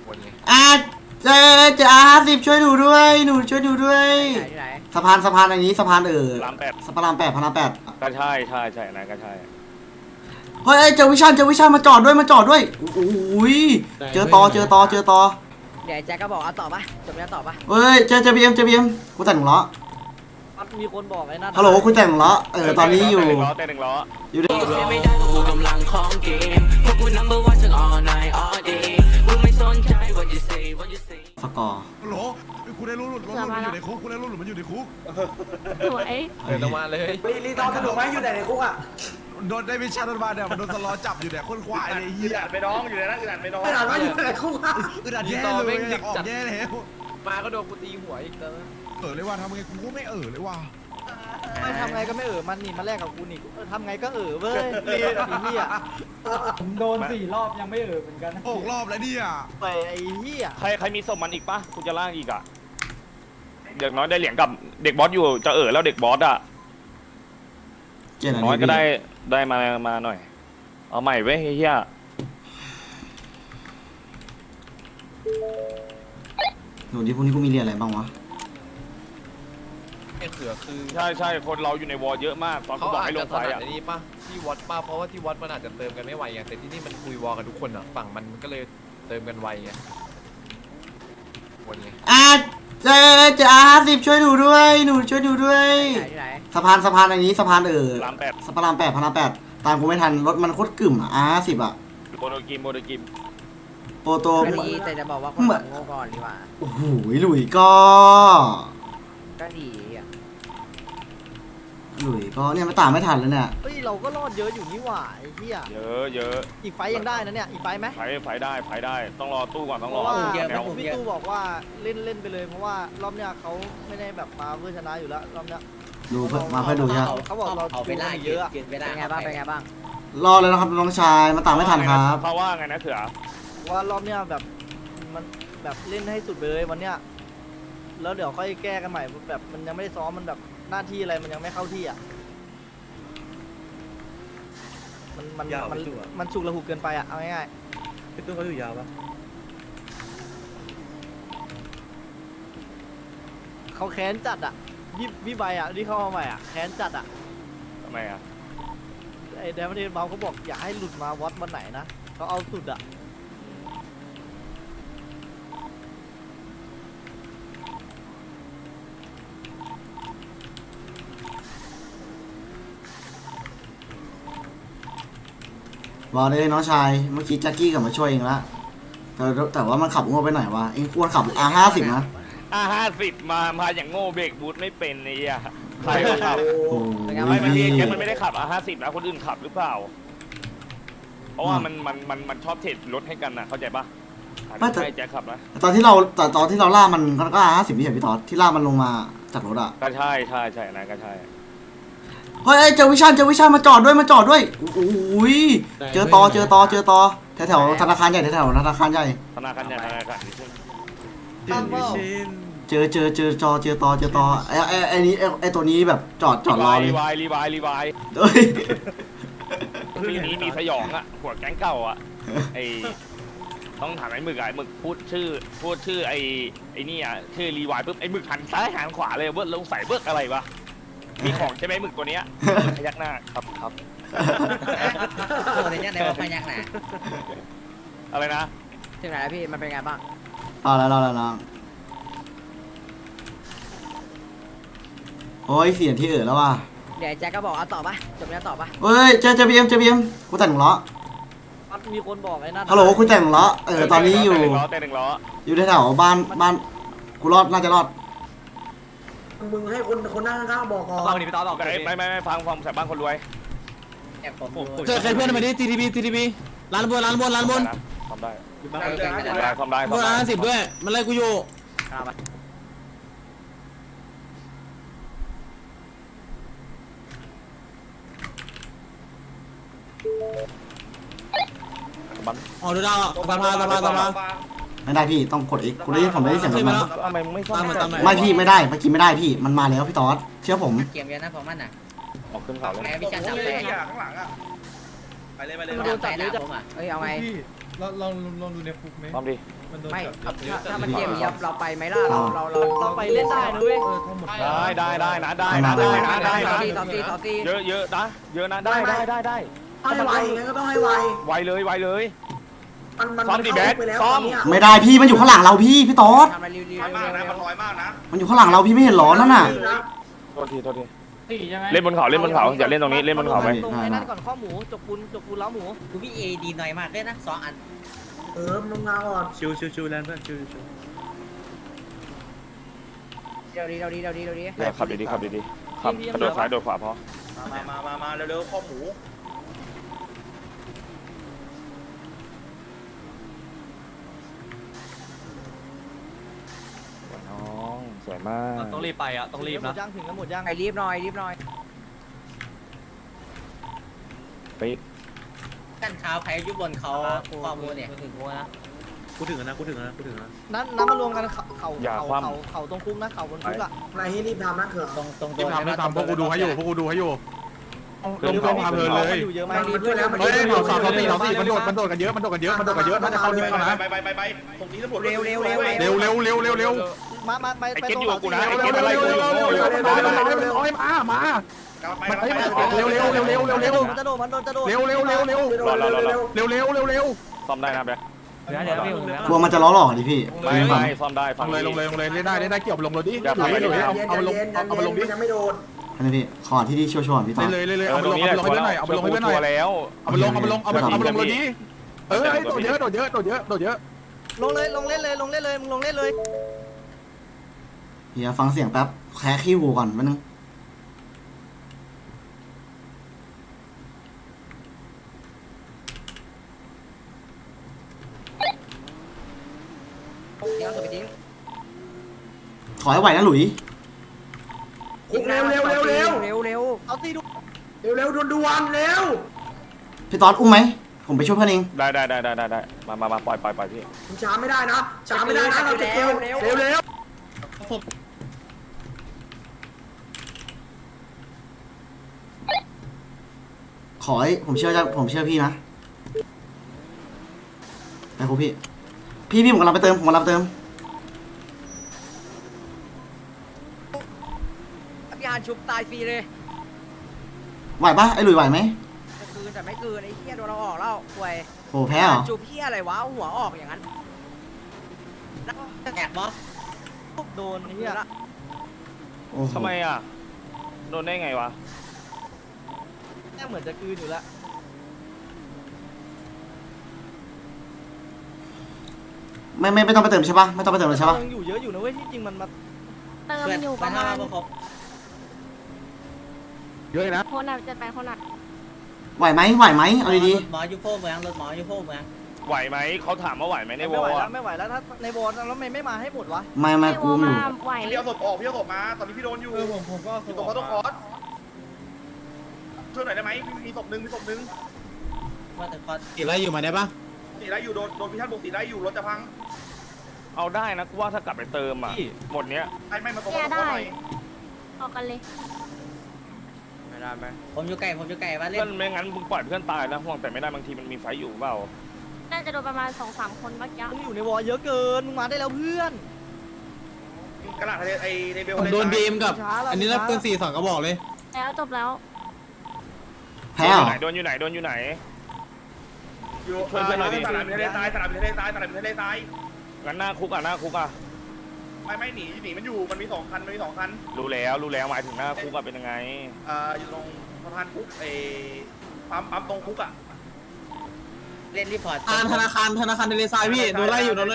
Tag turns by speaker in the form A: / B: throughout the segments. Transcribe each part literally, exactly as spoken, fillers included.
A: อ่ะเจเจอาห้าสิบช่วยหนูด้วยหนูช่วยหนูด้วยสะพานสะพานอันนี้สะพานเออสะพานแปดสะพานแปดพานแปด
B: ก็ใช่ใช่ใช่นะก็ใช่
A: เฮ้ยเจอวิชันเจอวิชันมาจอดด้วยมาจอดด้วยโอ้ยเจอตอเจอตอเจอตอ
C: เดี๋ยวแจ็คก็บอกเอาต่อปะจบแล้วต่อปะ
A: เฮ้ยเจอเจอบีเอ็มเจอบีเอ็มกูแต่งล้อ
C: มีคนบอกไอ้นั่น
A: ฮัลโหลคุณแต่งล้อเออตอนนี้อยู่
B: แต่หนึ่งล้อ
A: อยู่ด้วยสกอร์
D: ฮัลโหลคุณได้รู้หลุดรถมันอยู่ในคุกคุณได้รู้หลุดมันอยู่ในคุก
E: สวย
F: เดินออกมาเลย
C: รีรีตอนสนุกไหมอยู่แต่ในคุกอ่ะ
D: โดนได้วิชาโดนมาเนี่ยมันโดนสล้อจับอยู่เนี่ยคนควายเลยเฮีย
B: ไปน้องอยู่ในนั้นอึดอัดไปน้อง
C: ไม่ถามว่าอยู่แต่ในคุกอ่ะ
D: อึดอัดแย่เลยอยากออกแย่แล้ว
F: มาก็โดนกูตีหัวอีกแล้ว
D: เออเลยว่าทำไงกูก็ไม่เออเลยว่า
C: ไม่ทำไงก็ไม่เออมันนี่มาแลกกับกูนี่ทำไงก็เออเว้ยรีไอ้เหี้ย
G: ผมโดนสี่รอบยังไม่เออเหมือนกัน
D: หกรอบแล้วเนี่ย
C: ไปไอ้เหี้ย
B: ใครใครมีศพมันอีกปะคุณจะล่างอีกอ่ะเด็กน้อยได้เหรียญกับเด็กบอสอยู่จะเออแล้วเด็กบอสอ่ะน้อยก็ได้ได้มามาหน่อยเอาใหม่เว้ยเฮีย
A: หนูที่พวกนี้กูมีเรียนอะไรบ้างวะ
F: ไอ้เขือคือ
B: ใช่ใช่คนเราอยู่ในวอลเยอะมากตอนเขาบอกให้ลงไฟอ่ะ
F: นี่ป่ะที่วัดป่ะเพราะว่าที่วัดมันอาจจะเติมกันไม่ไหวไงแต่ที่นี่มันคุยวอลกันทุกคนอ่ะฝั่งมันก็เลยเติมกันไวไงวนไง
A: อ่ะเจเจอาห้าสิบช่วยหนูด้วยหนูช่วยหนูด้วยสะพานสะพานอันนี้สะพานเออสะพานแปดสะพานแปดพานแปดตามกูไม่ทันรถมันโคตรกึ่มอ่ะอาห้าสิบอ่ะ
B: โปรโตกิมโปรโตกิม
A: โปรโต
C: แต่จะบอกว่าคนโง่ก่อนดีกว่า
A: โอ้โหหลุยก็
C: ก็ดีอ่ะ
A: หลุยก็เนี่ยไม่ตามไม่ทันแล้วเนี่ย
C: เฮ้ยเราก็รอดเยอะอยู่นี่หว่าไอ้เหี้ย
B: เยอะเยอะ
C: อีกไฟยังได้นะเนี่ยอีกไฟไหม
B: ไฟไฟได้ไฟได้ต้องรอตู้ก่อนต้องรอ
C: พี่ตู้บอกว่าเล่นเล่นไปเลยเพราะว่ารอบเนี้ยเขาไม่ได้แบบมาเพื่อชนะอยู่แล้วรอบเนี้ย
A: ดูเพื่อมาเพื่อดูใช่
C: เขาบอกเราเอาไปไล่เยอะเป็นไงบ้างเป็นไงบ้าง
A: รอเลยนะครับน้องชายมาตามไม่ทันครับ
B: เขาว่าไงนะเถื่อ
C: ว่ารอบเนี้ยแบบมันแบบเล่นให้สุดเลยวันเนี้ยแล้วเดี๋ยวค่อยแก้กันใหม่แบบมันยังไม่ได้ซ้อมมันแบบหน้าที่อะไรมันยังไม่เข้าที่อ่ะมันมันมันมันฉุกระหุกเกินไปอ่ะเอาง่ายๆพี่ตุ้งเขาอยู่ยาวปะเขาแค้นจัดอ่ะพี่พี่ใบอ่ะที่เข้ามาใหม่อ่ะแค้นจัดอ่ะ
B: ทำไมอ่ะ
C: ไอ้แดมเดนเมาเขาบอกอย่าให้หลุดมาวัดวันไหนนะเขาเอาสุดอ่ะ
A: บอกเลยน้องชายเมื่อกี้แจ็คกี้กลับมาช่วยเองละแต่แต่ว่ามันขับโง่ไปหน่อยวะเองควรขับอาห้าสิบนะ
B: อาห้าสิบมามาอย่างโง่เบรกบูทไม่เป็นไอ้เหี้ยใครมาขับ
A: ไม่
B: ไม่แกมันไม่ได้ขับอาห้าสิบนะคนอื่นขับหรือเปล่าเพราะว่ามันมันมันมันชอบเทรดรถให้กันนะเข้าใจปะไม่แต่แจ็คขับนะ
A: ตอนที่เราแต่ตอนที่เราล่ามันก็อาห้าสิบนี่เห็นพี่ตอดที่ล่ามันลงมาจากรถอ่ะ
B: ก็ใช่ใช่ใช่นะก็ใช่
A: เฮ้ยเจอวิชันเจอวิชันมาจอดด้วยมาจอดด้วยโอ้ยเจอตอเจอตอเจอตอแถวแถวธนาคารใหญ่แถวธนาคารใหญ่
B: ธนาคารใหญ่ธนาคาร
A: เจอเจอเจอจอเจอตอเจอตอไอ้ไอ้ไอ้นี้ไอ้ตัวนี้แบบจอดจอดรอเลย
B: รีวายรีวายรีวาย
A: เฮ้ย
B: ปีนี้มีสยองอ่ะหัวแก๊งเก่าอ่ะไอต้องถามไอ้หมึกอ่ะหมึกพูดชื่อพูดชื่อไอ้ไอ้นี่อ่ะชื่อรีวายปุ๊บไอ้หมึกหันซ้ายหันขวาเลยเบิร์ดลงใส่เบิร์ดอะไรวะมีของใช่ไหมหมึกตัวเนี้ยพยักหน้าครับครับ
C: ตัวนี้เนี่ยพยักหน้า
B: อะไรนะ
C: ถึงไหนแล้วพี่มันเป็นไงบ้าง
A: รอแล้วรอแล้วรอโอ้ยเสียงที่เอ๋อแล้วว่ะ
C: เดี๋ยวแจ็คก็บอกเอาต่อปะจบแล้วต่อปะ
A: เฮ้ยเจอเจอบีเอ็มเจอบีเอ็มกูแต่งล้อ
C: มีคนบอกไอ้นั่น
A: ฮัลโหลคุณแต่งล้อเออตอนนี้อยู่
B: แต่หนึ่งล้อ
A: อยู่แถวบ้านบ้านกูรอดน่าจะรอด
C: มึงให้คนคนนั่งข้างบอกก่อน
B: ฟังดิพี่ต๊อดบอกไม่ไม่ไม่ฟังฟังแสบบ้านคนรวย
G: เจอใครเพื่อนมาดิทีทีบีทีทีบีร้านบนร้านบนร้านบน
B: ทำได้
C: ทำได้
B: ทำได้
G: บนร้านสิบด้วยมันไล่กูอยู่อ๋อดูดาวตาพาตาพาตาพา
A: ไม่ได้พี่ต้องกดอีกกูได้ยินผมได้ยินเสียงมัน
B: ทำไมมึงไม่ซ่อม
A: ไม่พี่ไม่ได้เมื่อกี้ไม่ได้พี่มันมาแล้วพี่ต๊อดเชื่อผม
C: เกมเยอะนะผมมันอ่ะ
B: ออกขึ้นเขาเลย
C: พี่จันจับเลย
D: ข้างหลังอ่ะไปเลยไปเลย
C: โดนจับเลยจับเฮ้ยเอาไง
E: ลองลองลองดูในคุกไหม
B: พร้อมดิ
E: มันโดน
H: ไม่
E: จับ
H: ถ้าถ้ามันเกมยับเราไปไหมล่ะเราเราเรา
C: เราไปเล่นได้นะเว้ย
E: เออทั้งหมด
B: ได้ได้ได้นะได้นะได้นะได้นะ
H: ต่อซีต่อซี
B: เยอะเยอะนะเยอะนะได้ได้ได้ได้
I: ให้ไวงั้นก็ต้องให้ไว
B: ไวเลยไวเลย
I: มันมัน
B: ซ้อมดิแบ็ค
I: ไปแล้ว
B: ซ้อม
I: ตนเนี้ย
A: ไม่ได้พี่มันอยู่ข้างหลังเราพี่พี่ต๊อด
H: ทำอะไรรีวิว
D: มากนะมันลอยมากนะ
A: มันอยู่ข้างหลังเราพี่ไม่เห็นหรอนั่นน่ะ
B: โทษทีโทษทีเล่นบนเขาเล่นบนเขาอย่าเล่นตรงนี้เล่นบนเขาไป
C: ตรงไอ้นั่นก่อนข้อหมูจกปูนจกปูนล้าหมู
H: กูพี่เอดีหน่อยมากเลยนะสองอัน
I: เออมึงมาก่อน
E: ชิวชิวชิวแลนเพื่อนชิวชิว
H: เดี๋ยวดีเดี๋ยวดีเดี๋ยวดีเดี๋ยวดี
B: เดี๋ยวขับดีๆขับดีๆขับกระโดดซ้ายโดดขวาพอ
D: มามามามาเร็วๆข้อหมู
B: น้องสวยมาก
G: ต้องรีบไปอ่ะต้องรีบ
C: หม
G: นะ
C: ดย่างถึงกันหมดย่าง
H: ไอ้รีบหน่อยรีบหน่อย
B: ไป
H: กันเท้าใครอยู่บนเขาข้อมูลเนี่ย
E: กูถึงนะกูถึงนะกูถึงนะ
C: นั้นนั้นมารวมกันเขาเขาเขาเขาเขาตรงคุกนะเขาบนคุกอะ
I: อะไรให้รีบทำนะเขื่อน
H: ตรงตรง
D: รีบทำรีบทำพวกกูดูให้อยู่พวกกูดูให้อยู่ลงกองพาเพลินเลย
C: อยู่เยอะไหม
I: มันมันช่วยแล้วมัน
D: เฮ้ย
I: ช่วย
D: เผาสามสามสี่สามสี่มันโดดมันโดดกันเยอะมันโดดกันเยอะมันโดดกันเยอะน่าจะเข้านี่แล้วนะ
J: ไปไปไปไปตรงนี้ตำรวจ
H: เร็วเร็วเร็ว
D: เร็วเร็วเร็วเร็วเร็ว
C: มามาไป
B: ไอ้
C: ไป
B: เก็ต
C: ตรง
B: อยู่กับกูนะ
D: เร็
B: ไอ้
D: ว
B: เก็ต
D: เร็ว
B: อะไร
D: เร็ว
B: กูอยู่
D: เร็วเร็วเร็วเร็วเร็วเร็วเร็วมามา
J: ไปไปไป
D: เร็วเร็วเร็วเร็วเร็วเร็ว
C: มันจะโดดมันโดนจะโดด
D: เร็วเร็วเร็วเร็ว
B: รอรอรอรอ
D: เร็วเร็วเร็วเร็ว
B: ซ่อมได้นะแบ๊ก
G: เดี๋ยวเดี๋ยวพี่ผม
A: กลัวมันจะล้อหลอกดิพี่
B: ไม่ไม่ซ่อมได้
D: ล
B: ฟัง
D: งเลยลงเลยลงเลยเล่นได้เล่นได้เกี่ยวลงรถดิ
I: เย็น
D: เอา
I: เย็น
D: ลง
I: เย็น
D: เอา
I: เย็น
D: เอาลง
I: เย็น
D: เอามาลงดิ
I: มันยังไม่โดน
A: อันนี้พี่ขอที่ที่ชัวร์ๆพี่ต๊อด
D: เลยเลยเลย
B: เอ
D: เอา
B: อ
D: มา
B: ตร
D: ล
B: ง
D: ง
B: นี้
D: เอา
B: แหละ
D: มาลงให้หน่อยเอามาลงให้หน่อย
B: ตัวแล้ว
D: เอามาลงเอามาลงเอามาเอามาลงรถดิเออโดดเยอะโดดเยอะโดดเยอะโดดเยอะ
C: ลงเลยลงเล่นเลยลงเล่นเลยมึงลงเล่นเลย
A: เฮียฟังเสียงแป๊บแค่ขี้หูก่อนแป๊บนึง
H: เดี๋ยวสุดไปทิ้ง
A: ขอให้ไหวนะหลุย
I: คุกเร็วเร็วเร็วเร็ว
H: เร็วเร็ว
C: เอาตีดู
I: เร็วเร็วด่วนด่วนเร็ว
A: พี่ต๊อดอุ้มไหมผมไปช่วยเพื่อนเอง
B: ได้ได้ได้ได้ได้ได้มามามาปล่อยปล่อยปล่อยพี่
I: มึงช้าไม่ได้นะช้าไม่ได้นะเราจะเร็วเร็วเร็ว
A: ขอให้ผมเชื่อจะผมเชื่อพี่นะไปครูพี่พี่พี่ผมกำลังไปเติมผมกำลังไปเติม
H: พี่ฮานชุบตายฟรีเลย
A: ไหวปะไอ้หลุยไหวไหม
H: จะคืนแต่ไม่คืนไอ้เหี้ยโดนเราออกแล้วป่วย
A: โอ้แพ้เหรอ
H: จุบเหี้ยอะไรวะเอาหัวออกอย่างนั้นแอบมอ
C: โดนเฮีย
A: โอ้โห
B: ทำไมอ่ะโดนได้ไงวะ
C: แม่เหมือนจะคืนอยู่แล้ว
A: ไม่ไม่ไม่ต้องไปเติมใช่ปะไม่ต้องไปเติมเลยใช่ปะ
C: ยังอยู่เยอะอยู่นะเว้ยที่จริงมันมา
K: เติมอยู่ประมาณ
D: เยอะนะ
K: คนอ่ะจะไปคนอ่ะ
A: ไหวไหมไหวไหมเอาดี
H: หมอยูโพเมืองรถหมอยูโพเมือง
B: ไหวไหมเขาถามว่าไหวไหมในว
C: ไม่
B: อ
C: ไหว
B: ล
C: แล้ว
B: อะ
C: ไม่ไหวแล้วถ้าในบอลแล้วไม่ไม่มาให้หมดวะ
A: ๆไม่ไม่กูอยู่
K: มาไหว
J: พี่เอาศพออกพี่เอาศพมาตอนนี้พี่โดนอยู่
E: เออผมผมก็
J: อยู่ตรงเขาต้องคอร์สช่วยหน่อยได้ไหมมีศพหนึ่งมีศพหนึ่ง
H: ว่าแต่พอ
G: กี่ไล่อยู่มาได้ปะ
J: สีได้อยู่โดนโดนพิชาติบุกสีได้อยู่รถจะพัง
B: เอาได้นะกูว่าถ้ากลับไปเติมอ่ะหมดเนี้ย
J: ไอ้ไม่มาตรงเขาต้องคอร์สหน่อย
K: ออกกันเลย
B: ไม่ได้ไหม
H: ผมอยู่ไก่ผมอยู่ไก่ว่าเล่
B: เพื่อน นไม่งั้นมึงปล่อยเพื่อนตายนะห่วงแต่ไม่ได้บางทีมันมีไฟอยู่เปล่า
K: น่าจะโดนประมาณสองสามคนเมื่อกี้
C: มึงอยู่ในวอลเยอะเกินมึงมาได้แล้วเพื่อน
J: กระดาษทะเลไอ้ในเบล
G: ผมโดนบีมกับ อันนี้รับปืนสี่สองกระบอกเลย
K: แล้วจบแล้ว
A: แพ้เหรอ
B: โดนอยู่ไหนโดนอยู่ไหน
J: อยู่
B: ช่วยเพื่อนหน่อยดิ
J: ตลาดทะเลทรายตลาดทะเลทรายตลาดทะเลทราย
B: งั้นหน้าคุกอ่ะหน้าคุกอ่ะ
J: ไม่ไม่หนีหนีมันอยู่มันมีสองคันมันมีสองคัน
B: รู้แล้วรู้แล้วหมายถึงหน้าคุกอ่ะเป็นยังไง
J: อ่าอยู่ตรงสะพานคุกไอ้ปั๊มปั๊มตรงคุกอ่ะ
H: เล่นรีพอร์ต
G: อ่านธนาคารธนาคารเทเลทรายพี่โดนไล่อยู่โดนเลย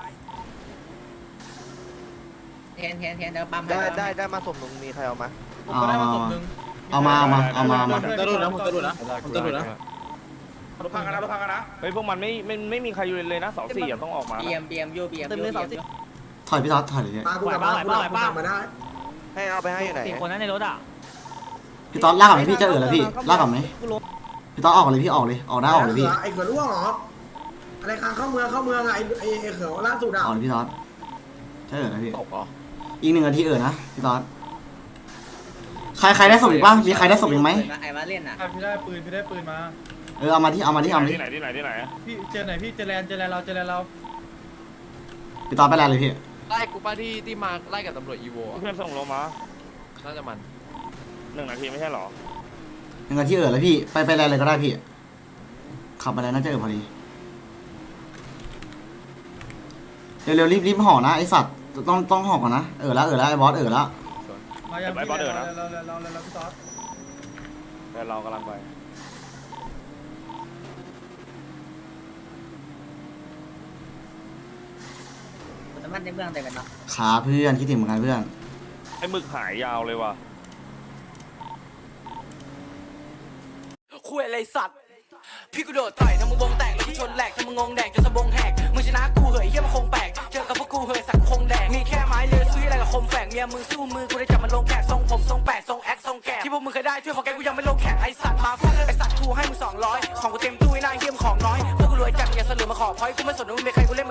H: เทนเทนเทนเดี๋ยวปั๊ม
C: ได้ได้ได้มาสมมึงมีใครเอามา
G: ผมก็ได้มาศพหนึ่ง
A: เอามาเอามาเอามาเอามา
G: ผมจะดูนะผมจะดูนะผมจะดูนะ
J: รถพังกันนะรถพังกันนะ
B: เฮ้ยพวกมันไม่ไม่ไม่มีใครอยู่เลยนะเสาสี่อ่ะต้องออกมา
H: บีเอ็มบีเอ็มยูบีเอ็ม
C: เต็มเลยสามสิบ
A: ถอยพี่ต๊อดถอยเลย
I: มากูกลับมากูกลับมามาได้
C: ให้เอาไปให้อยู่ไหน
G: สี่คนนั้นในรถอ่ะ
A: พี่ต๊อดลากกลับไหมพี่จะเอือแล้วพี่ลากกลับไหม
C: กูลง
A: พี่ต๊อดออกเลยพี่ออกเลยออกได้ออกเลยพี่
I: ไอ้เขือร่วงเหรออะไรคางเข้าเมืองเข้าเมืองอะไอ้ไอ้ไอ้เขือล่าสุดอะ
A: ออกเลยพี่ต๊อดจะเอือนะพี่
B: ตกเหรอ
A: อีกหนึ่งนาทีเอือนะพี่ต๊อดใครใครได้ศพอีกบ้างมีใครได้ศพอีกไหม
H: ไอ้มาเล่นอ่ะ
E: พี่ได้ปืนพี่ได้ปืนมา
A: เออเอามาที่เอามาที่เอามาที่
B: ที่ไหนที่ไหนที่ไหน
E: พี่เจอไหนพี่เจอแลนเจอแลนเราเจอแลนเรา
A: พี่ต่อไปแล้วเลยพี่
F: ไล่กูป้าที่ที่มาไล่กับตำรวจอีโว
B: เพื่อนส่งลงมา
F: น่าจะมัน
B: หนึ่งนาทีไม่ใช่หรอ
A: ยังไงที่เออแล้วพี่ไปไปอะไรเลยก็ได้พี่ขับไปแล้วน่าจะเออพอดีเร็วๆรีบรีบห่อนะไอสัตว์ต้องต้องห่อก่อนนะเออแล้วเออแล้วไอบอสเออแล้ว
E: มาอย่างพี่เราเราเราเราเราพี่ต๊อด
B: แต่เรากำลังไป
H: น้ำมันในเมืองเต็มกันเนาะ
A: ขาเพื่อนคิดถึงเหมือนกันเพื่อน
B: ไอ้หมึกหายยาวเลยว่ะ
L: คุยอะไรสัตว์พี่กูโดดต่อยทำมึงวงแตกแล้วกูชนแหลกทำมึงงงแดกจนสะบงแหกมึงชนะกูเหยเฮียมันคงแปลกเจอกับพวกกูเหยสักคงแดกมีแค่ไม้เลือสู้อะไรกับคมแฝกเมียมึงสู้มือกูได้จับมันลงแขกทรงผมทรงแปดทรงแอคทรงแกะที่พวกมึงเคยได้ช่วยของแกกูยังไม่ลงแขกไอสัตว์มาฟาดไอสัตว์กูให้มึงสองร้อยของกูเต็มตู้ไอ้นายเฮียมของน้อยพวกกูรวยจัดอย่าเสลือมาขอพอยกูไม่สนว่ามึงเป็นใครกูเล่น